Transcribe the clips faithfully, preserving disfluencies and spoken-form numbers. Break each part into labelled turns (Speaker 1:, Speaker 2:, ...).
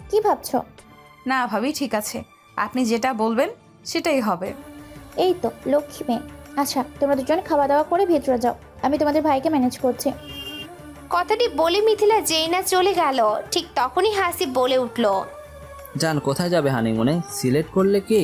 Speaker 1: কি ভাবছো?
Speaker 2: না ভাবি, ঠিক আছে, আপনি যেটা বলবেন সেটাই হবে।
Speaker 1: এই তো লক্ষ্মী মেয়ে। আচ্ছা, তোমরা দুজন খাওয়া দাওয়া করে ভেতরে যাও, আমি তোমাদের ভাইকে ম্যানেজ করছি।
Speaker 3: কথাটি বলে মিথিলা যেই না চলে গেল, ঠিক তখনই হাসিব বলে উঠল,
Speaker 4: জান কোথায় যাবে হানিমুনে? সিলেক্ট করলে কি?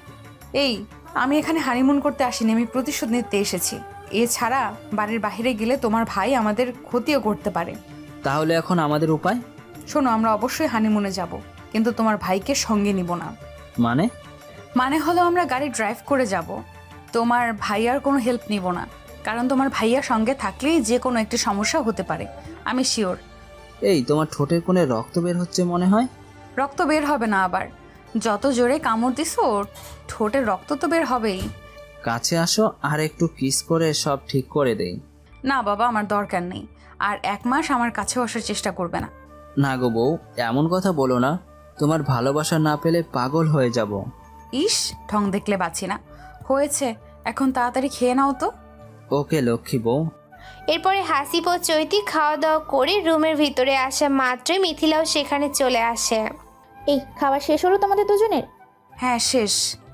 Speaker 2: এই, আমি এখানে হানিমুন করতে আসিনি, আমি প্রতিশোধ নিতে এসেছি। এছাড়া বাড়ির বাইরে গেলে তোমার ভাই আমাদের ক্ষতিও করতে পারে।
Speaker 4: তাহলে এখন আমাদের উপায়?
Speaker 2: শোনো, আমরা অবশ্যই হানিমুনে যাব, কিন্তু তোমার ভাইকে সঙ্গে নিব না।
Speaker 4: মানে?
Speaker 2: মানে হলো আমরা গাড়ি ড্রাইভ করে যাব, তোমার ভাইয়ার কোনো হেল্প নিব না, কারণ তোমার ভাইয়া সঙ্গে থাকলেই যে কোনো একটি সমস্যা হতে পারে, আমি শিওর।
Speaker 4: এই তোমার ঠোঁটের কোণে রক্ত বের হচ্ছে মনে হয়।
Speaker 2: রক্ত বের হবে না আবার? যত জোরে কামড় দিছো ঠোঁটের রক্ত তো বের হবেই।
Speaker 4: কাছে আসো আর একটু কিস করে সব ঠিক করে দেই।
Speaker 2: না বাবা, আমার দরকার নেই, আর এক মাস আমার কাছেও আসার চেষ্টা করবে না।
Speaker 4: না গো বউ, এমন কথা বলো না, তোমার ভালোবাসা না পেলে পাগল হয়ে যাব।
Speaker 2: ইস, ঢং দেখলে বাঁচি না। হয়েছে, এখন তাড়াতাড়ি খেয়ে নাও তো।
Speaker 4: ওকে লক্ষ্মী বউ।
Speaker 3: এরপরে হাসিব ও চৈতি খাওয়া দাওয়া করে রুমের ভিতরে আসা মাত্রই মিথিলাও সেখানে চলে আসে।
Speaker 1: এই খাওয়া শেষ হলো তোমাদের দুজনের?
Speaker 2: হ্যাঁ, শেষ।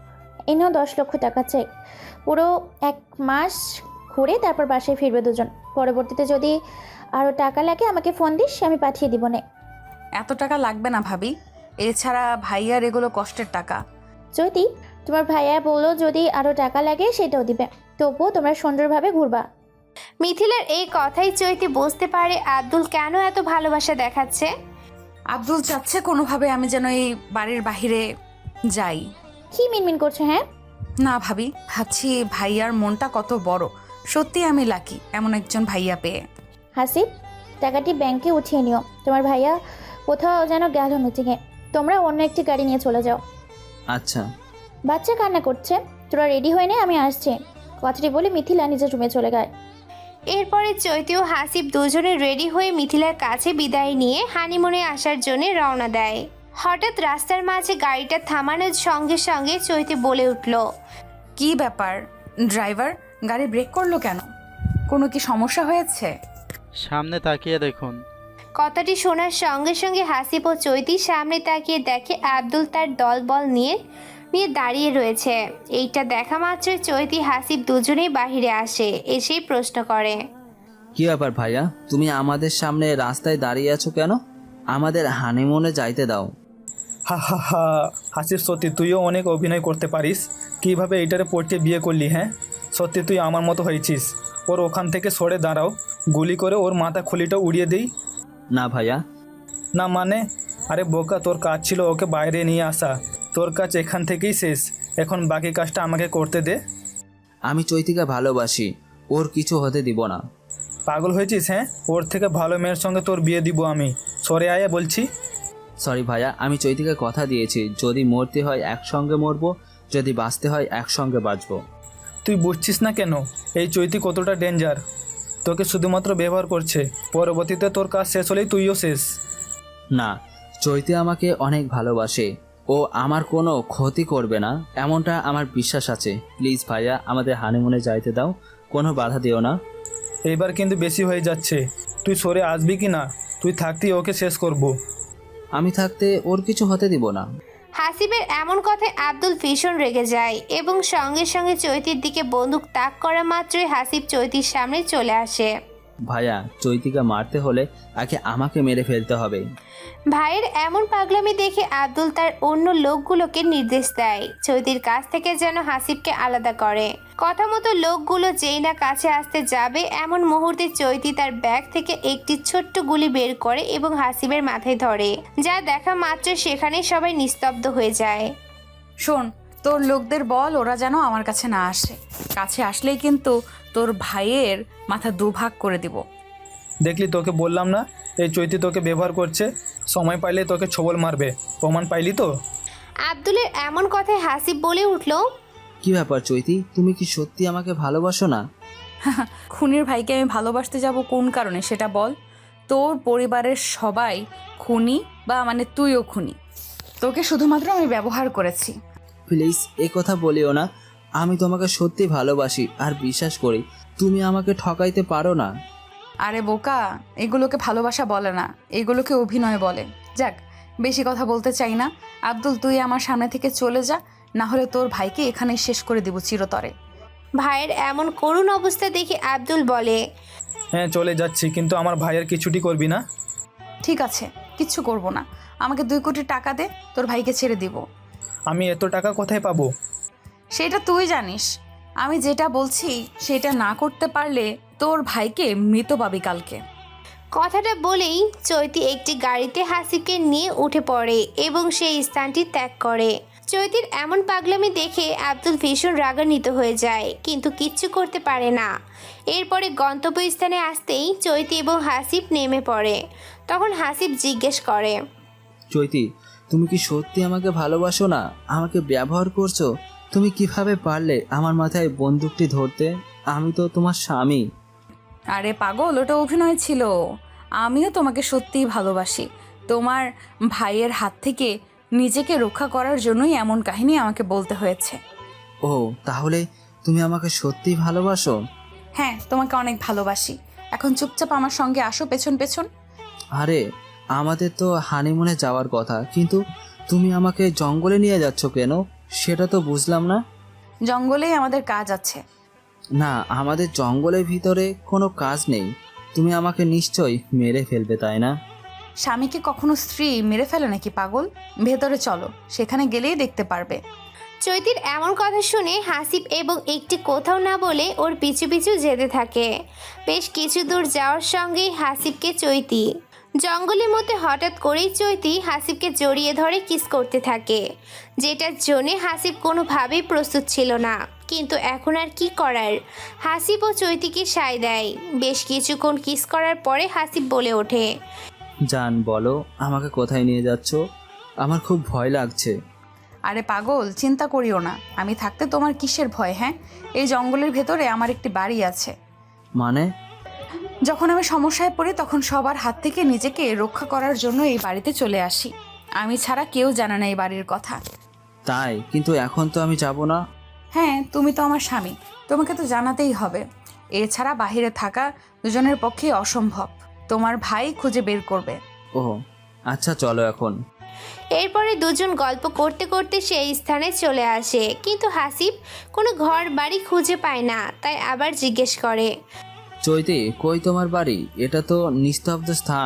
Speaker 1: এই নাও দশ লক্ষ টাকা চাই, পুরো এক মাস ঘুরে তারপর বাসায় ফিরবে দুজন। পরবর্তীতে যদি আরও টাকা লাগে আমাকে ফোন দিস, আমি পাঠিয়ে দিব নে।
Speaker 2: এত টাকা লাগবে না ভাবি, এছাড়া ভাইয়ার এগুলো কষ্টের টাকা।
Speaker 1: যদি তোমার ভাইয়া বললো যদি আরও টাকা লাগে সেটাও দিবে, তবুও তোমরা সুন্দরভাবে ঘুরবা।
Speaker 3: মিথিলার এই কথাই চৈতি বুঝতে পারে আব্দুল কেন এত ভালোবাসা দেখাচ্ছে।
Speaker 2: আব্দুল চাচ্ছে কোনোভাবে আমি যেন এই বাড়ির বাহিরে যাই।
Speaker 1: কি মিনমিন করছো? হ্যাঁ,
Speaker 2: না ভাবি, ভাবছি ভাইয়ার মনটা কত বড়, সত্যি আমি লাকি এমন একজন ভাইয়া পেয়ে।
Speaker 1: হাসিব, টাকাটি ব্যাংকে উঠিয়ে নিও, তোমার ভাইয়া কোথাও যেন গেল মিটিংয়ে, তোমরা অন্য একটি গাড়ি নিয়ে চলে যাও।
Speaker 4: আচ্ছা।
Speaker 1: বাচ্চা কান্না করছে, তোরা রেডি হয়ে নে, আমি আসছি। কথাটি বলে মিথিলা নিজের রুমে চলে যায়।
Speaker 3: এরপরে চৈতি ও হাসিব দুজনে রেডি হয়ে মিথিলার কাছে বিদায় নিয়ে হানিমুনে আসার জন্য রওনা দেয়। হঠাৎ রাস্তার মাঝে গাড়িটা থামানোর সঙ্গে সঙ্গে চৈতি বলে উঠল,
Speaker 2: কি ব্যাপার ড্রাইভার, গাড়ি ব্রেক করলো কেন? কোনো কি সমস্যা হয়েছে?
Speaker 5: সামনে তাকিয়ে দেখুন।
Speaker 3: কথাটি শোনার সঙ্গে সঙ্গে হাসিব ও চৈতি সামনে তাকিয়ে দেখে আব্দুল তার দলবল নিয়ে নিয়ে দাঁড়িয়ে রয়েছে। এইটা দেখা মাত্রই চৈতি হাসিব দুজনেই বাহিরে আসে, এসেই প্রশ্ন করে,
Speaker 4: কি ব্যাপার ভাইয়া, তুমি আমাদের সামনে রাস্তায় দাঁড়িয়ে আছো কেন? আমাদের হানিমুনে যাইতে দাও।
Speaker 6: হা হা হা, হাসির সত্যি তুইও অনেক অভিনয় করতে পারিস। কিভাবে এইটারে পড়তে বিয়ে করলি? হ্যাঁ, সত্যি তুই আমার মতো হয়েছিস। ওর ওখান থেকে সরে দাঁড়াও, গুলি করে ওর মাথা খুলিটা উড়িয়ে দিই।
Speaker 4: না ভাইয়া।
Speaker 6: না মানে? আরে বোকা, তোর কাজ ছিল ওকে বাইরে নিয়ে আসা, তোর কাজ এখান থেকেই শেষ। এখন বাকি কাজটা আমাকে করতে দে।
Speaker 4: আমি চৈতিকে ভালোবাসি, ওর কিছু হতে দিব না।
Speaker 6: পাগল হয়েছিস? হ্যাঁ, ওর থেকে ভালো মেয়ের সঙ্গে তোর বিয়ে দিব আমি। সরে আয়া বলছি।
Speaker 4: সরি ভাইয়া, আমি চৈতিকে কথা দিয়েছি, যদি মরতে হয় একসঙ্গে মরবো, যদি বাঁচতে হয় একসঙ্গে বাঁচবো।
Speaker 6: তুই বুঝছিস না কেন এই চৈতি কতটা ডেঞ্জার? তোকে শুধুমাত্র ব্যবহার করছে, পরবর্তীতে তোর কাজ শেষ হলেই তুইও শেষ।
Speaker 4: না, চৈতি আমাকে অনেক ভালোবাসে, ও আমার কোনো ক্ষতি করবে না, এমনটা আমার বিশ্বাস আছে। প্লিজ ভাইয়া, আমাদের হানিমুনে যাইতে দাও, কোনো বাধা দিও না।
Speaker 6: এইবার কিন্তু বেশি হয়ে যাচ্ছে, তুই সরে আসবি কি না? তুই থাকতেই ওকে শেষ করব।
Speaker 4: আমি থাকতে ওর কিছু হতে দিব না।
Speaker 3: হাসিবের এমন কথায় আব্দুল ভীষণ রেগে যায় এবং সঙ্গে সঙ্গে চৈতির দিকে বন্দুক তাক করা মাত্রই হাসিব চৈতির সামনে চলে আসে।
Speaker 4: ভাইয়া, চৈতিকে মারতে হলে আগে আমাকে মেরে ফেলতে হবে।
Speaker 3: ভাইয়ের এমন পাগলামি দেখে আব্দুল তার অন্য লোকগুলোকে নির্দেশ দেয় চৈতির কাছ থেকে যেন হাসিবকে আলাদা করে। কথা মতো লোকগুলো যেই না কাছে আসতে যাবে এমন মুহূর্তে চৈতি তার ব্যাগ থেকে একটি ছোট্ট গুলি বের করে এবং হাসিবের মাথায় ধরে, যা দেখা মাত্র সেখানে সবাই নিস্তব্ধ হয়ে যায়।
Speaker 2: শোন, তোর লোকদের বল ওরা যেন আমার কাছে না আসে, কাছে আসলেই কিন্তু তোর ভাইয়ের মাথা দুভাগ করে দিব।
Speaker 6: দেখলি, তোকে বললাম না এই চৈতি তোকে ব্যবহার করছে, সময় পাইলে তোকে ছবল মারবে। প্রমাণ পাইলি তো?
Speaker 3: আব্দুলের এমন কথায় হাসিব বলে উঠল,
Speaker 4: কি ব্যাপার চৈতি, তুমি কি সত্যি আমাকে ভালোবাসো না?
Speaker 2: খুনির ভাইকে আমি ভালোবাসতে যাব কোন কারণে সেটা বল। তোর পরিবারের সবাই খুনি, বা মানে তুইও খুনি, তোকে শুধুমাত্র আমি ব্যবহার করেছি।
Speaker 4: প্লিজ এ কথা বলিও না, আমি তোমাকে সত্যি ভালোবাসি আর বিশ্বাস করি, তুমি আমাকে ঠকাইতে পারো না।
Speaker 2: আরে বোকা, এগুলোকে ভালোবাসা বলে না, এগুলোকে অভিনয় বলে। যাক, বেশি কথা বলতে চাই না। আব্দুল, তুই আমার সামনে থেকে চলে যা, না হলে তোর ভাইকে এখানেই শেষ করে দিব চিরতরে।
Speaker 3: ভাইয়ের এমন করুণ অবস্থা দেখে আব্দুল বলে,
Speaker 6: হ্যাঁ চলে যাচ্ছি, কিন্তু আমার ভাইয়ের কিছুটি করবি না?
Speaker 2: ঠিক আছে, কিচ্ছু করব না। আমাকে দুই কোটি টাকা দে, তোর ভাইকে ছেড়ে দিব।
Speaker 6: আমি এত টাকা কোথায় পাবো?
Speaker 2: সেটা তুই জানিস। আমি যেটা বলছি সেটা না করতে পারলে তোর ভাইকে মৃত পাবি কালকে।
Speaker 3: কথাটা বলেই চৈতি একটি গাড়িতে হাসিবকে নিয়ে উঠে পড়ে এবং সেই স্থানটি ত্যাগ করে। চৈতির এমন পাগলামি দেখে আব্দুল ভীষণ রাগান্বিত হয়ে যায়, কিন্তু কিচ্ছু করতে পারে না। এরপরে গন্তব্যস্থানে আসতেই চৈতি এবং হাসিব নেমে পড়ে। তখন হাসিব জিজ্ঞেস করে,
Speaker 4: চৈতি, তুমি কি সত্যি আমাকে ভালোবাসো না? আমাকে ব্যবহার করছো? তুমি কিভাবে পারলে আমার মাথায় বন্দুকটি ধরতে? আমি তো তোমার স্বামী।
Speaker 2: আরে পাগল, ওটা অভিনয় ছিল। আমিও তোমাকে সত্যিই ভালোবাসি। তোমার ভাইয়ের হাত থেকে নিজেকে রক্ষা করার জন্যই এমন কাহিনী আমাকে বলতে হয়েছে।
Speaker 4: ও, তাহলে তুমি আমাকে সত্যিই ভালোবাসো?
Speaker 2: হ্যাঁ, তোমাকে অনেক ভালোবাসি। এখন চুপচাপ আমার সঙ্গে আসো পেছন পেছন।
Speaker 4: আরে, আমাদের তো হানিমুনে যাওয়ার কথা, কিন্তু তুমি আমাকে জঙ্গলে নিয়ে যাচ্ছ কেন? সেটা তো বুঝলাম না।
Speaker 2: জঙ্গলেই আমাদের কাজ আছে।
Speaker 4: না, আমাদের জঙ্গলের ভিতরে কোনো কাজ নেই। তুমি আমাকে নিশ্চয়ই মেরে ফেলবে, তাই না?
Speaker 2: স্বামীকে কখনো স্ত্রী মেরে ফেলে নাকি পাগল? ভেতরে চলো, সেখানে গেলেই দেখতে পারবে।
Speaker 3: চৈতির এমন কথা শুনে হাসিব এবং একটি কোথাও না বলে ওর পিছু পিছু যেতে থাকে। বেশ কিছু দূর যাওয়ার সঙ্গেই হাসিবকে চৈতি জঙ্গলের মধ্যে হঠাৎ করেই চৈতি হাসিবকে জড়িয়ে ধরে কিস করতে থাকে, যেটার জন্যে হাসিব কোনোভাবেই প্রস্তুত ছিল না। কিন্তু এখন আর কি করার, হাসিব ও চৈতিকে সায় দেয়। বেশ কিছুক্ষণ কিস করার পরে হাসিব বলে ওঠে,
Speaker 4: জান, বলো আমাকে কোথায় নিয়ে যাচ্ছ? আমার খুব ভয় লাগছে।
Speaker 2: আরে পাগল, চিন্তা করিও না। আমি থাকতে তোমার কিসের ভয়? হ্যাঁ, এই জঙ্গলের ভেতরে আমার একটি বাড়ি আছে।
Speaker 4: মানে?
Speaker 2: যখন আমি সমস্যায় পড়ি তখন সবার হাত থেকে নিজেকে রক্ষা করার জন্য এই বাড়িতে চলে আসি। আমি ছাড়া কেউ জানে না এই বাড়ির কথা।
Speaker 4: তাই? কিন্তু এখন তো আমি যাব না।
Speaker 2: হ্যাঁ, তুমি তো আমার স্বামী, তোমাকে তো জানাতেই হবে। এছাড়া বাহিরে থাকা দুজনের পক্ষে অসম্ভব। তোমার ভাই খুঁজে বের করবে।
Speaker 4: ও আচ্ছা, চলো এখন।
Speaker 3: এরপরে দুজন গল্প করতে করতে সেই স্থানে চলে আসে, কিন্তু হাসিব কোনো ঘর বাড়ি খুঁজে পায় না। তাই আবার জিজ্ঞেস করে,
Speaker 4: চৈতি, কই তোমার বাড়ি? এটা তো নিস্তব্ধ স্থান।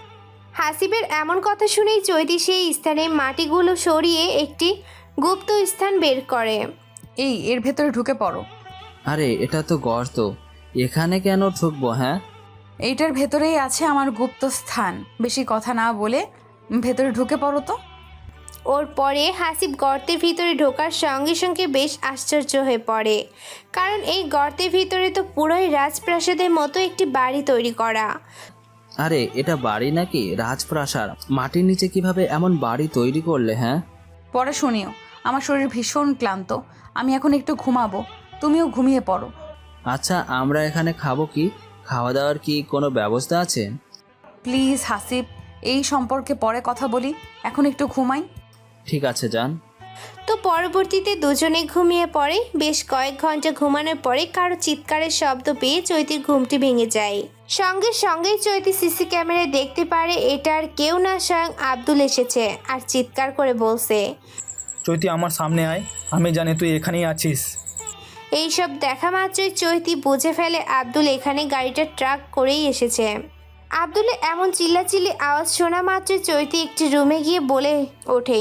Speaker 3: হাসিবের এমন কথা শুনেই চৈতি সেই স্থানে মাটিগুলো সরিয়ে একটি গুপ্ত স্থান বের করে।
Speaker 2: এই, এর ভেতরে ঢুকে পড়ো।
Speaker 4: আরে, এটা তো গর্ত, এখানে কেন ঢুকবো? হ্যাঁ,
Speaker 2: এইটার ভেতরেই আছে আমার গুপ্ত স্থান। বেশি কথা না বলে ভেতরে ঢুকে পড়ো তো।
Speaker 3: ওর পরে হাসিব গর্তের ভিতরে ঢোকার সঙ্গে সঙ্গে বেশ আশ্চর্য হয়ে পড়ে, কারণ এই গর্তের ভিতরে তো পুরোই রাজপ্রাসাদের মতো একটি বাড়ি তৈরি করা।
Speaker 4: আরে এটা বাড়ি নাকি রাজপ্রাসাদ? মাটির নিচে কিভাবে এমন বাড়ি তৈরি করলে? হ্যাঁ,
Speaker 2: পরে শুনিও। আমার শরীর ভীষণ ক্লান্ত, আমি এখন একটু ঘুমাবো, তুমিও ঘুমিয়ে পড়ো।
Speaker 4: আচ্ছা, আমরা এখানে খাবো কি? খাওয়া দাওয়ার কি কোনো ব্যবস্থা আছে?
Speaker 2: প্লিজ হাসিব, এই সম্পর্কে পরে কথা বলি, এখন একটু ঘুমাই।
Speaker 4: ঠিক আছে, যান।
Speaker 3: তো পরবর্তীতে দুজনে ঘুমিয়ে পড়ে। বেশ কয়েক ঘন্টা ঘুমানোর পরে কারো চিৎকারের শব্দ পেয়ে চৈতির ঘুমটি ভেঙে যায়। সঙ্গে সঙ্গেই চৈতি সিসি ক্যামেরায় দেখতে পারে এটা আর কেউ না, স্বয়ং আব্দুল এসেছে আর চিৎকার করে বলছে,
Speaker 6: চৈতি, আমার সামনে আয়, আমি জানি তুই এখানেই আছিস।
Speaker 3: এইসব দেখা মাত্রই চৈতি বুঝে ফেলে আব্দুল এখানে গাড়িটা ট্রাক করেই এসেছে। আব্দুলের এমন চিল্লাচিল্লি আওয়াজ শোনা মাত্রই চৈতি একটি রুমে গিয়ে বলে ওঠে,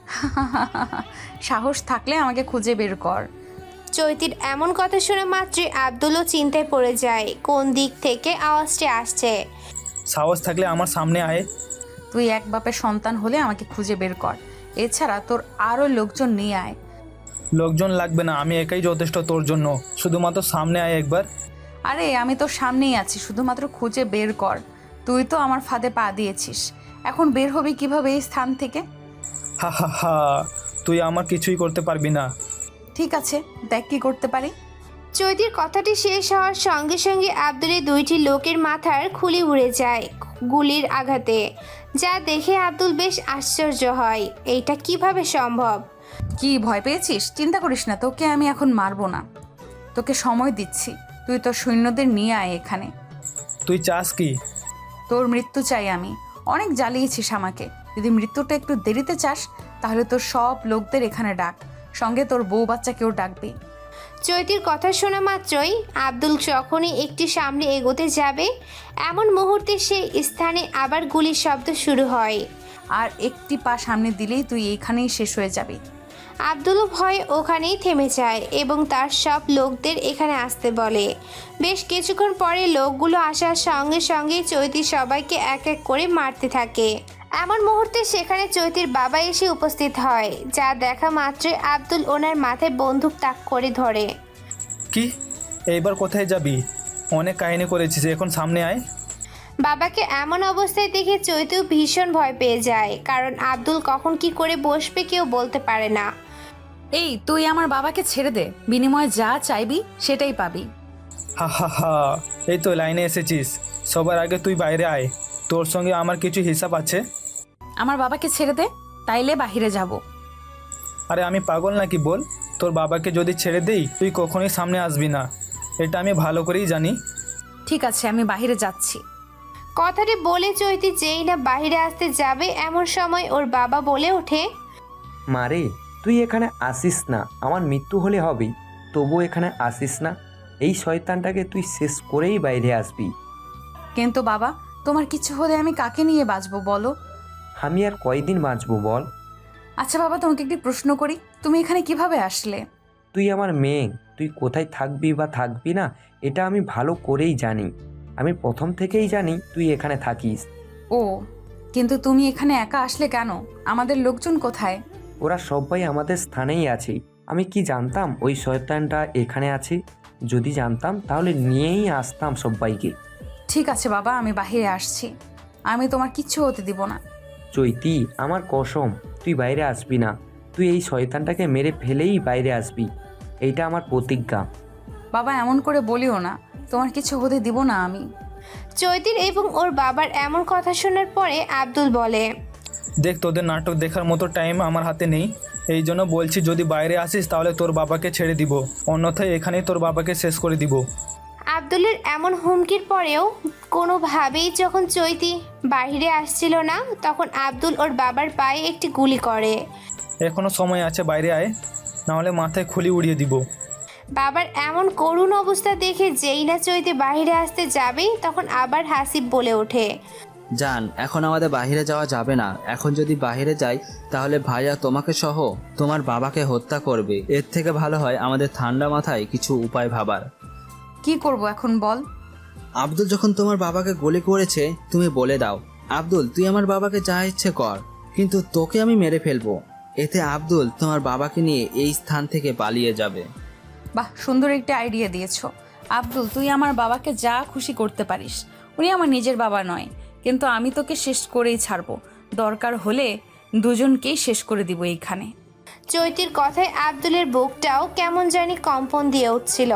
Speaker 2: সাহস থাকলে আমাকে খুঁজে বের কর।
Speaker 3: চৈতির এমন কথা শোনা মাত্রই আব্দুলও চিন্তায় পড়ে যায় কোন দিক থেকে আওয়াজটি আসছে।
Speaker 6: সাহস থাকলে আমার সামনে আয়।
Speaker 2: তুই এক বাপের সন্তান হলে আমাকে খুঁজে বের কর, এছাড়া তোর আরও লোকজন নিয়ে আয়।
Speaker 6: লোকজন লাগবে না, আমি একাই যথেষ্ট তোর জন্য। শুধুমাত্র সামনে আয় একবার।
Speaker 2: আরে আমি তোর সামনেই আছি, শুধুমাত্র খুঁজে বের কর। তুই তো আমার ফাঁদে পা দিয়েছিস, এখন বের হবি কিভাবে এই স্থান থেকে?
Speaker 6: হা হা হা, তুই আমার কিছুই করতে পারবি না।
Speaker 2: ঠিক আছে, দেখ কি করতে পারি।
Speaker 3: চৈতির কথাটি শেষ হওয়ার সঙ্গে সঙ্গে আব্দুলের দুইটি লোকের মাথার খুলি উড়ে যায় গুলির আঘাতে, যা দেখে আব্দুল বেশ আশ্চর্য হয়, এইটা কিভাবে সম্ভব।
Speaker 2: কি ভয় পেয়েছিস? চিন্তা করিস না, তোকে আমি এখন মারবো না, তোকে সময় দিচ্ছি। তুই তোর সৈন্যদের নিয়ে আয় এখানে।
Speaker 6: তুই চাস কি?
Speaker 2: তোর মৃত্যু চাই আমি। অনেক জ্বালিয়েছিস আমাকে, যদি মৃত্যুটা একটু দেরিতে চাস তাহলে তোর সব লোকদের এখানে ডাক, সঙ্গে তোর বউ বাচ্চাকেও ডাকবি।
Speaker 3: চৈতির কথা শোনা মাত্রই আব্দুল যখনই একটি সামনে এগোতে যাবে এমন মুহূর্তে সেই স্থানে আবার গুলির শব্দ শুরু হয়।
Speaker 2: আর একটি পা সামনে দিলেই তুই এইখানেই শেষ হয়ে যাবি।
Speaker 3: আব্দুলও ভয়ে ওখানেই থেমে যায় এবং তার সব লোকদের এখানে আসতে বলে। বেশ কিছুক্ষণ পরে লোকগুলো আসার সঙ্গে সঙ্গে চৈতি সবাইকে এক এক করে মারতে থাকে। এমন মুহূর্তে সেখানে চৈতির বাবা এসে উপস্থিত হয়, যা দেখা মাত্রই আব্দুল ওনার মাথায় বন্দুক তাক করে ধরে।
Speaker 6: কি এইবার কোথায় যাবি? অনেক কাহিনী করেছিস, এখন সামনে আয়।
Speaker 3: বাবাকে এমন অবস্থায় দেখে চৈতিও ভীষণ ভয় পেয়ে যায়, কারণ আব্দুল কখন কি করে বসবে কেউ বলতে পারে না।
Speaker 2: এই তুই আমার বাবাকে ছেড়ে দে, বিনিময়ে যা চাইবি সেটাই পাবি।
Speaker 6: হা হা হা, এই তো লাইনে এসেছিস। সবার আগে তুই বাইরে আয়, তোর সঙ্গে আমার কিছু হিসাব আছে।
Speaker 2: আমার বাবাকে ছেড়ে দে, তাইলে বাহিরে যাব।
Speaker 6: আরে আমি পাগল নাকি বল? তোর বাবাকে যদি ছেড়ে দেই তুই কখনোই সামনে আসবি না, এটা আমি ভালো করেই জানি।
Speaker 2: ঠিক আছে, আমি বাহিরে যাচ্ছি।
Speaker 3: কথাটি বলে চৈতি যেই না বাইরে আসতে যাবে এমন সময় ওর বাবা বলে ওঠে,
Speaker 7: মারে তুই এখানে আসিস না, আমার মৃত্যু হলে হবেই, তবু এখানে আসিস না। এই শয়তানটাকে তুই শেষ করেই বাইরে আসবি।
Speaker 2: কিন্তু বাবা, তোমার কিছু হলে আমি কাকে নিয়ে বাঁচবো বলো?
Speaker 7: আমি আর কয়দিন বাঁচবো বল?
Speaker 2: আচ্ছা বাবা, তোমাকে একটি প্রশ্ন করি, তুমি এখানে কিভাবে আসলে?
Speaker 7: তুই আমার মেয়ে, তুই কোথায় থাকবি বা থাকবি না এটা আমি ভালো করেই জানি। আমি প্রথম থেকেই জানি তুই এখানে থাকিস।
Speaker 2: ও, কিন্তু তুমি এখানে একা আসলে কেন? আমাদের লোকজন কোথায়?
Speaker 7: ওরা সবাই আমাদের স্থানেই আছে। আমি কি জানতাম ওই শয়তানটা এখানে আছে? যদি জানতাম তাহলে নিয়েই আসতাম সবাইকে।
Speaker 2: ঠিক আছে বাবা, আমি বাহিরে আসছি, আমি তোমার কিচ্ছু হতে দিব না।
Speaker 7: চৈতি, আমার কসম, তুই বাইরে আসবি না। তুই এই শয়তানটাকে মেরে ফেলেই বাইরে আসবি, এইটা আমার প্রতিজ্ঞা।
Speaker 2: বাবা এমন করে বলিও না, তোমার কিছু হতে দিব না আমি।
Speaker 3: চৈতির এবং ওর বাবার এমন কথা শোনার পরে আব্দুল বলে,
Speaker 6: দেখ, তোদের নাটক দেখার মতো টাইম আমার হাতে নেই, এই জন্য বলছি যদি বাইরে আসিস তাহলে তোর বাবাকে ছেড়ে দিব, অন্যথায় এখানেই তোর বাবাকে শেষ করে দিব।
Speaker 3: আব্দুলের এমন হুমকির পরেও কোনোভাবেই যখন চৈতি বাইরে আসছিল না তখন আব্দুল ওর বাবার পায়ে একটি গুলি করে।
Speaker 6: এখনো সময় আছে, বাইরে আয়, নাহলে মাথায় খুলি উড়িয়ে দিব।
Speaker 3: বাবার এমন করুণ অবস্থা দেখে যেই না চৈতি বাইরে আসতে যাবে তখন আবার হাসিব বলে ওঠে,
Speaker 4: জান, এখন আমাদের বাইরে যাওয়া যাবে না। এখন যদি বাইরে যাই তাহলে ভাইয়া তোমাকে সহ তোমার বাবাকে হত্যা করবে। এর থেকে ভালো হয় আমাদের ঠান্ডা মাথায় কিছু উপায় ভাবার।
Speaker 2: কি করব এখন বল?
Speaker 4: আব্দুল যখন তোমার বাবাকে গুলি করেছে তুমি বলে দাও, আব্দুল তুই আমার বাবাকে যা ইচ্ছে কর, কিন্তু তোকে আমি মেরে ফেলবো। এতে আব্দুল তোমার বাবাকে নিয়ে এই স্থান থেকে পালিয়ে যাবে।
Speaker 2: বাহ, সুন্দর একটা আইডিয়া দিয়েছো। আব্দুল, তুই আমার বাবাকে যা খুশি করতে পারিস, উনি আমার নিজের বাবা নয়, কিন্তু আমি তোকে শেষ করেই ছাড়বো। দরকার হলে দুজনকেই শেষ করে দিব এইখানে।
Speaker 3: চৈতির কথায় আব্দুলের বুকটাও কেমন জানি কম্পন দিয়ে উঠছিল।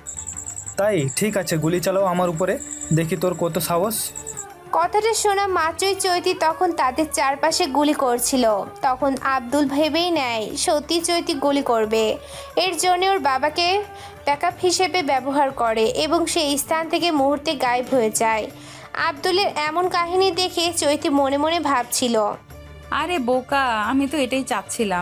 Speaker 6: তাই ঠিক আছে, গুলি চালাও আমার উপরে, দেখি তোর কত সাহস।
Speaker 3: কথাটা শোনা মাত্রই চৈতি তখন তাদের চারপাশে গুলি করছিল। তখন আব্দুল ভেবেই নেয় সত্যি চৈতি গুলি করবে, এর জন্য ওর বাবাকে ব্যাকআপ হিসেবে ব্যবহার করে এবং সেই স্থান থেকে মুহূর্তে গায়েব হয়ে যায়। আব্দুলের এমন কাহিনী দেখে চৈতি মনে মনে ভাবছিল,
Speaker 2: আরে বোকা, আমি তো এটাই চাচ্ছিলাম।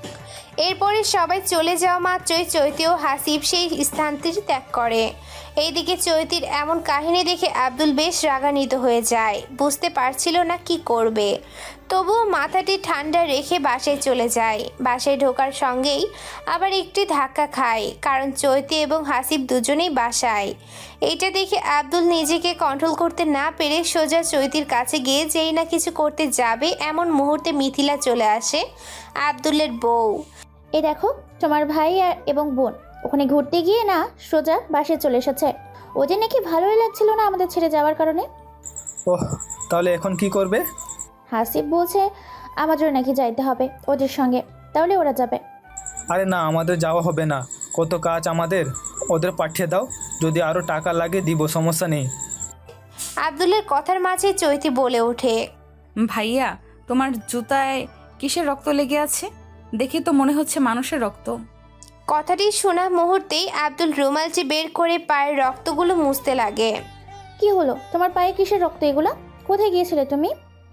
Speaker 3: এরপরে সবাই চলে যাওয়া মাত্রই চৈতি ও হাসিব সেই স্থানটি ত্যাগ করে। এইদিকে চৈতির এমন কাহিনী দেখে আব্দুল বেশ রাগান্বিত হয়ে যায়, বুঝতে পারছিল না কি করবে। তবুও মাথাটি ঠান্ডা রেখে বাসায় চলে যায়। বাসায় ঢোকার সঙ্গেই আবার একটি ধাক্কা খায়, কারণ চৈতি এবং হাসিব দুজনেই বাসায়। এইটা দেখে আব্দুল নিজেকে কন্ট্রোল করতে না পেরে সোজা চৈতির কাছে গিয়ে যেই না কিছু করতে যাবে এমন মুহূর্তে মিথিলা চলে আসে, আব্দুলের বউ।
Speaker 1: এই দেখো, তোমার ভাই আর এবং বোন ওখানে ঘুরতে গিয়ে না সোজা বাসায় চলে এসেছে। ওদের নাকি ভালোই লাগছিল না আমাদের ছেড়ে যাওয়ার কারণে।
Speaker 6: ওহ, তাহলে এখন কি করবে?
Speaker 1: হাসিব বলছে আমাদের নাকি যাইতে হবে ওদের সঙ্গে, তাহলে ওরা যাবে।
Speaker 6: আরে না, আমাদের যাওয়া হবে না, কত কাজ আমাদের, ওদের পাঠিয়ে দাও, যদি আরও টাকা লাগে দিব, সমস্যা নেই।
Speaker 3: আব্দুলের কথার মাঝে চৈতি বলে ওঠে,
Speaker 2: ভাইয়া, তোমার জুতায় কিসের রক্ত লেগে আছে? দেখি তো মনে হচ্ছে মানুষের রক্ত।
Speaker 3: কথাটি শোনা মুহূর্তেই আব্দুল রুমালটি বের করে পায়ের রক্তগুলো মুছতে লাগে।
Speaker 1: কি হলো, তোমার পায়ে কিসের রক্ত এগুলো? কোথায় গিয়েছিলে তুমি?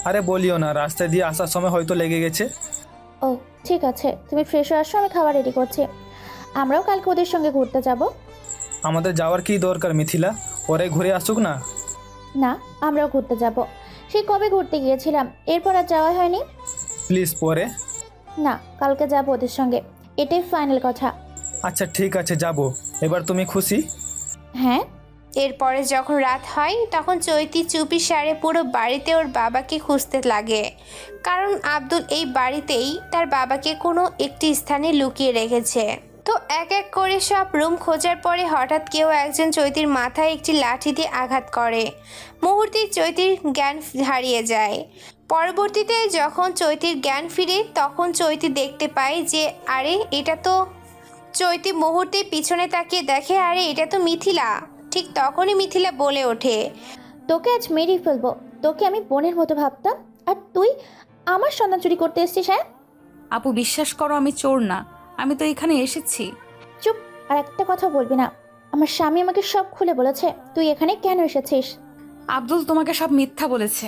Speaker 6: আরে বলিও না, রাস্তায় দিয়ে আসার সময় হয়তো লেগে গেছে।
Speaker 1: ও ঠিক আছে, তুমি ফ্রেশ হয়ে আসো, আমি খাবার রেডি করছি। আমরাও কালকে ওদের সঙ্গে ঘুরতে যাব।
Speaker 6: আমাদের যাওয়ার কি দরকার মিথিলা, ওরাই ঘুরে আসুক না।
Speaker 1: না, আমরাও ঘুরতে যাব। সেই কবে ঘুরতে গিয়েছিলাম, এরপর আর যাওয়া হয়নি।
Speaker 6: প্লিজ পরে।
Speaker 1: না, কালকে যাব ওদের সঙ্গে, এটাই ফাইনাল কথা।
Speaker 6: আচ্ছা ঠিক আছে, যাব। এবার তুমি খুশি?
Speaker 1: হ্যাঁ।
Speaker 3: এরপরে যখন রাত হয় তখন চৈতি চুপি সারে পুরো বাড়িতে ওর বাবাকে খুঁজতে লাগে, কারণ আব্দুল এই বাড়িতেই তার বাবাকে কোনো একটি স্থানে লুকিয়ে রেখেছে। তো এক এক করে সব রুম খোঁজার পরে হঠাৎ কেউ একজন চৈতির মাথায় একটি লাঠি দিয়ে আঘাত করে। মুহূর্তেই চৈতির জ্ঞান হারিয়ে যায়। পরবর্তীতে যখন চৈতির জ্ঞান ফিরে তখন চৈতি দেখতে পায় যে আরে এটা তো চৈতি মুহূর্তে পিছনে তাকিয়ে দেখে আরে এটা তো মিথিলা। ঠিক তখনই মিথিলা বলে ওঠে,
Speaker 1: তোকে আজ মেরেই ফেলবো। তোকে আমি বোনের মতো ভাবতাম, আর তুই আমার সন্তান চুরি করতে এসেছিস। হ্যাঁ
Speaker 2: আপু বিশ্বাস করো, আমি চোর না, আমি তো এখানে এসেছি।
Speaker 1: চুপ, আর একটা কথা বলবি না। আমার স্বামী আমাকে সব খুলে বলেছে তুই এখানে কেন এসেছিস।
Speaker 2: আব্দুল তোমাকে সব মিথ্যা বলেছে।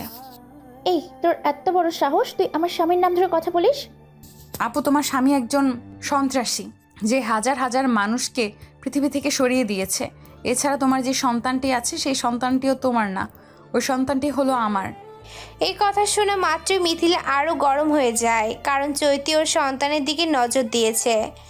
Speaker 1: এই তোর এত বড় সাহস, তুই আমার স্বামীর নাম ধরে কথা বলিস।
Speaker 2: আপু তোমার স্বামী একজন সন্ত্রাসী, যে হাজার হাজার মানুষকে পৃথিবী থেকে সরিয়ে দিয়েছে। এছাড়া তোমার যে সন্তানটি আছে সেই সন্তানটিও তোমার না, ওই সন্তানটি হলো আমার।
Speaker 3: এই কথা শুনে মাত্রই মিথিলা আরও গরম হয়ে যায়, কারণ চৈতি ওর সন্তানের দিকে নজর দিয়েছে।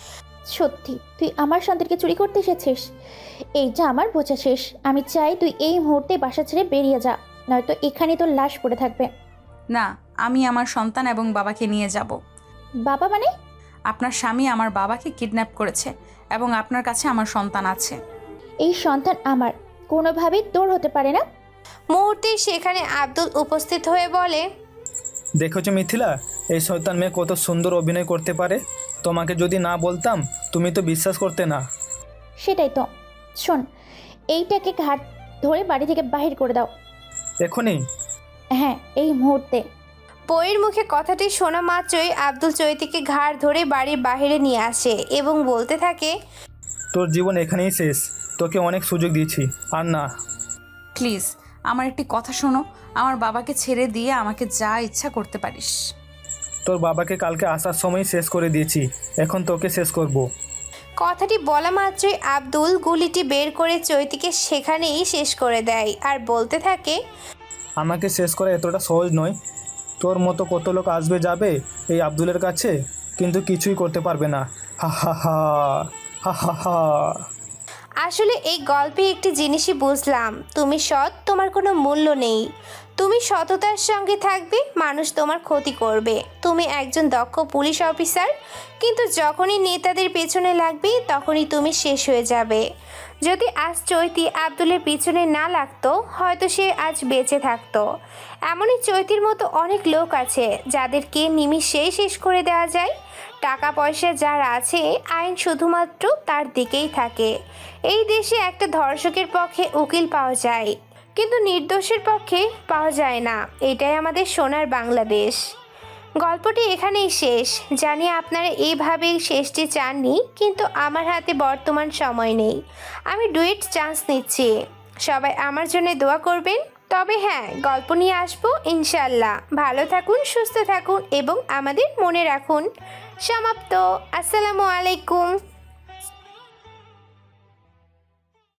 Speaker 1: সত্যি তুই আমার সন্তানকে চুরি করতে এসেছিস? এইটা আমার বোঝা শেষ। আমি চাই তুই এই মুহূর্তে বাসা ছেড়ে বেরিয়ে যা, নয়তো এখানে তোর লাশ পড়ে থাকবে।
Speaker 2: না, আমি আমার সন্তান এবং বাবাকে নিয়ে যাব।
Speaker 1: বাবা মানে?
Speaker 2: আপনার স্বামী আমার বাবাকে কিডন্যাপ করেছে এবং আপনার কাছে আমার সন্তান আছে।
Speaker 1: এই সন্তান আমার, কোনোভাবেই তোর হতে পারে না।
Speaker 3: মুহূর্তেই সেখানে আব্দুল উপস্থিত হয়ে বলে,
Speaker 6: দেখেছো মিথিলা, এই শয়তান মেয়ে কত সুন্দর অভিনয় করতে পারে। তোমাকে যদি না বলতাম তুমি তো বিশ্বাস করতে না।
Speaker 1: সেটাই তো। শোন, এইটাকে ঘাট ধরে বাড়ি থেকে বাহির করে দাও
Speaker 6: এখনই?
Speaker 1: হ্যাঁ, এই মুহূর্তে।
Speaker 3: বইয়ের মুখে কথাটি শোনা মাত্রই আব্দুল চৈতিকে ঘাড় ধরে বাড়ির বাইরে নিয়ে আসে এবং বলতে থাকে,
Speaker 6: তোর জীবন এখানেই শেষ, তোকে অনেক সুযোগ দিয়েছি, আর না।
Speaker 2: প্লিজ আমার একটি কথা শোনো, আমার বাবাকে ছেড়ে দিয়ে আমাকে যা ইচ্ছা করতে পারিস।
Speaker 6: তোর বাবাকে কালকে আসার সময় শেষ করে দিয়েছি, এখন তোকে শেষ করব।
Speaker 3: কথাটি বলা মাত্রই আব্দুল গুলিটি বের করে চৈতিকে সেখানেই শেষ করে দেয় আর বলতে থাকে,
Speaker 6: আমাকে শেষ করা এতটা সহজ নয়। তোর মতো কত লোক আসবে যাবে এই আব্দুলের কাছে, কিন্তু কিছুই করতে পারবে না। হা হা হা হা হা হা।
Speaker 3: আসলে এই গল্পে একটি জিনিসই বুঝলাম, তুমি সৎ, তোমার কোনো মূল্য নেই। তুমি সততার সঙ্গে থাকবে, মানুষ তোমার ক্ষতি করবে। তুমি একজন দক্ষ পুলিশ অফিসার, কিন্তু যখনই নেতাদের পেছনে লাগবে তখনই তুমি শেষ হয়ে যাবে। যদি আজ চৈতি আব্দুলের পিছনে না লাগতো হয়তো সে আজ বেঁচে থাকতো। এমনই চৈতির মতো অনেক লোক আছে যাদেরকে নিমিষেই শেষ করে দেওয়া যায়। টাকা পয়সা যার আছে, আইন শুধুমাত্র তার দিকেই থাকে। এই দেশে একটা ধর্ষকের পক্ষে উকিল পাওয়া যায়, কিন্তু নির্দোষের পক্ষে পাওয়া যায় না। এটাই আমাদের সোনার বাংলাদেশ। গল্পটি এখানেই শেষ। জানি আপনারা এইভাবেই শেষটি চাননি, কিন্তু আমার হাতে বর্তমান সময় নেই। আমি ডুয়েট চান্স নিচ্ছি, সবাই আমার জন্য দোয়া করবেন। তবে হ্যাঁ, গল্প নিয়ে আসবো ইনশাল্লাহ। ভালো থাকুন, সুস্থ থাকুন এবং আমাদের মনে রাখুন। সমাপ্ত। আসসালামু আলাইকুম।